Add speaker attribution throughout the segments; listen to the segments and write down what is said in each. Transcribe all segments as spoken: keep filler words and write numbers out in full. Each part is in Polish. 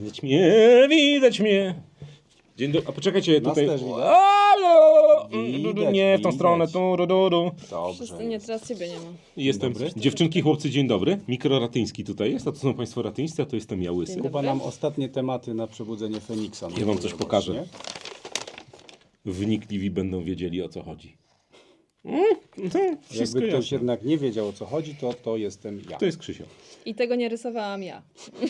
Speaker 1: Widać mnie, widać mnie. Dzień dobry. A poczekajcie,
Speaker 2: Nas
Speaker 1: tutaj...
Speaker 2: też widać.
Speaker 1: Halo!
Speaker 2: Widać,
Speaker 1: Nie, w tą
Speaker 2: widać.
Speaker 1: stronę. Tu, du, du, du.
Speaker 2: Dobrze.
Speaker 3: Wszyscy, nie, teraz ciebie nie ma.
Speaker 1: Jestem.
Speaker 2: dobry.
Speaker 1: Dziewczynki, chłopcy, dzień dobry. Mikro Ratyński tutaj jest, a to są państwo ratyńscy, a to jestem ja łysy.
Speaker 3: Dzień
Speaker 2: Kuba nam ostatnie tematy na przebudzenie Feniksa.
Speaker 1: Ja wam coś pokażę.
Speaker 2: Nie?
Speaker 1: Wnikliwi będą wiedzieli, o co chodzi. Mm, to wszystko
Speaker 2: Jakby ktoś
Speaker 1: jasne.
Speaker 2: jednak nie wiedział, o co chodzi, to to jestem ja.
Speaker 1: To jest Krzysio.
Speaker 3: I tego nie rysowałam ja.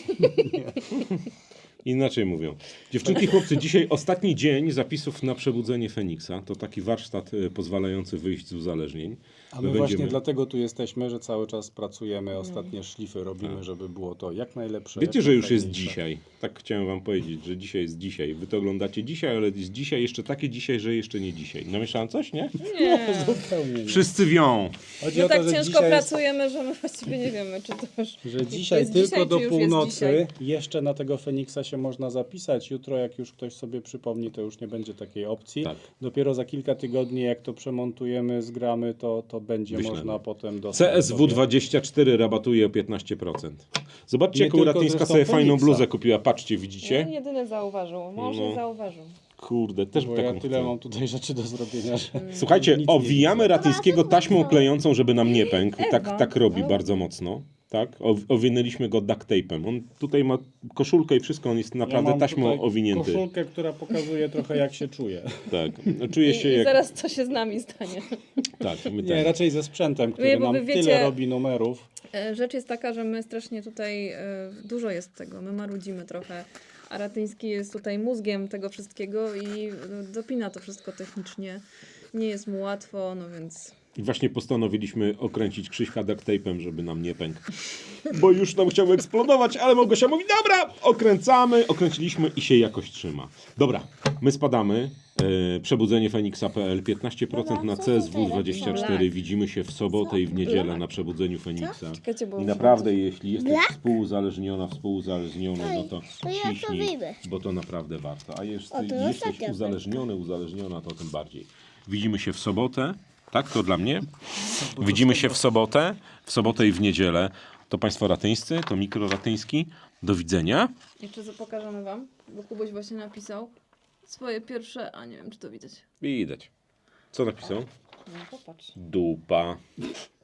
Speaker 1: Inaczej mówią. Dziewczynki, chłopcy, dzisiaj ostatni dzień zapisów na przebudzenie Feniksa. To taki warsztat e, pozwalający wyjść z uzależnień.
Speaker 2: A my
Speaker 1: My
Speaker 2: właśnie
Speaker 1: będziemy-
Speaker 2: dlatego tu jesteśmy, że cały czas pracujemy, ostatnie szlify robimy, żeby było to jak najlepsze.
Speaker 1: Wiecie,
Speaker 2: jak
Speaker 1: że już jest
Speaker 2: najfajniejsze.
Speaker 1: dzisiaj. Tak chciałem wam powiedzieć, że dzisiaj jest dzisiaj. Wy to oglądacie dzisiaj, ale jest dzisiaj jeszcze takie dzisiaj, że jeszcze nie dzisiaj. Namieszałem coś, nie?
Speaker 3: Nie.
Speaker 2: Zupełnie nie.
Speaker 1: Wszyscy wią.
Speaker 2: Chodzi
Speaker 3: My
Speaker 2: o to,
Speaker 3: tak
Speaker 2: że
Speaker 3: ciężko
Speaker 2: dzisiaj jest-
Speaker 3: pracujemy, że my właściwie nie wiemy, czy to już
Speaker 2: Że dzisiaj
Speaker 3: jest
Speaker 2: tylko
Speaker 3: dzisiaj,
Speaker 2: do
Speaker 3: czy już jest
Speaker 2: północy
Speaker 3: dzisiaj.
Speaker 2: jeszcze na tego Feniksa się można zapisać. Jutro, jak już ktoś sobie przypomni, to już nie będzie takiej opcji.
Speaker 1: Tak.
Speaker 2: Dopiero za kilka tygodni, jak to przemontujemy, zgramy, to, to będzie
Speaker 1: Wyślemy.
Speaker 2: można potem dostać.
Speaker 1: C S W
Speaker 2: sobie.
Speaker 1: dwadzieścia cztery rabatuje o piętnaście procent. Zobaczcie,
Speaker 2: Nie
Speaker 1: jaką
Speaker 2: tylko
Speaker 1: Ratyńska
Speaker 2: zresztą
Speaker 1: sobie fajną
Speaker 2: Feniksa.
Speaker 1: bluzę kupiła. Patrzcie,
Speaker 3: Nie,
Speaker 1: widzicie?
Speaker 3: jedyny zauważył. Mąż
Speaker 1: No.
Speaker 3: nie zauważył.
Speaker 1: Kurde, też
Speaker 2: Bo
Speaker 1: taką
Speaker 2: ja tyle
Speaker 1: chcę.
Speaker 2: mam tutaj rzeczy do zrobienia, że...
Speaker 1: Słuchajcie,
Speaker 2: Nic nie
Speaker 1: owijamy
Speaker 2: widzę.
Speaker 1: Ratyńskiego taśmą klejącą, żeby nam nie pękł. Tak,
Speaker 3: Ewa.
Speaker 1: tak robi
Speaker 3: No.
Speaker 1: bardzo mocno. Tak? O, owinęliśmy go duct tape'em. On tutaj ma koszulkę i wszystko, on jest naprawdę
Speaker 2: ja mam
Speaker 1: taśmą
Speaker 2: tutaj
Speaker 1: owinięty.
Speaker 2: koszulkę, która pokazuje trochę, jak się czuję.
Speaker 1: Tak. Czuję
Speaker 3: I,
Speaker 1: się
Speaker 3: I
Speaker 1: jak...
Speaker 3: zaraz co się z nami stanie.
Speaker 1: Tak, my
Speaker 2: Nie,
Speaker 1: tak.
Speaker 2: raczej ze sprzętem, który
Speaker 3: Nie, bo
Speaker 2: nam
Speaker 3: wy wiecie-
Speaker 2: tyle robi numerów.
Speaker 3: E, Rzecz jest taka, że my strasznie tutaj, e, dużo jest tego, my marudzimy trochę, a Ratyński jest tutaj mózgiem tego wszystkiego i e, dopina to wszystko technicznie. Nie jest mu łatwo, no więc...
Speaker 1: I właśnie postanowiliśmy okręcić Krzyśka duct tape'em, żeby nam nie pękł. Bo już nam chciał eksplodować, ale Małgosia mówi, dobra, okręcamy, okręciliśmy i się jakoś trzyma. Dobra, my spadamy. E, Przebudzenie Feniksa kropka p l, piętnaście procent na C S W dwadzieścia cztery. Widzimy się w sobotę i w niedzielę na Przebudzeniu Feniksa.
Speaker 3: Czekajcie, bo...
Speaker 1: I naprawdę, jeśli jesteś współuzależniona, współuzależniona, no to
Speaker 4: to ja to
Speaker 1: ciśnij,
Speaker 4: wyjdę.
Speaker 1: bo to naprawdę warto. A jeśli
Speaker 4: O, to
Speaker 1: jesteś
Speaker 4: ostatnia
Speaker 1: uzależniony, uzależniona, to tym bardziej. Widzimy się w sobotę, tak? To dla mnie. Widzimy się w sobotę, w sobotę i w niedzielę. To państwo ratyńscy, to mikro ratyński. Do widzenia.
Speaker 3: Jeszcze co pokażemy wam, bo Kubuś właśnie napisał swoje pierwsze, a nie wiem czy to widać.
Speaker 1: Widać. Co napisał?
Speaker 3: No popatrz.
Speaker 1: Dupa.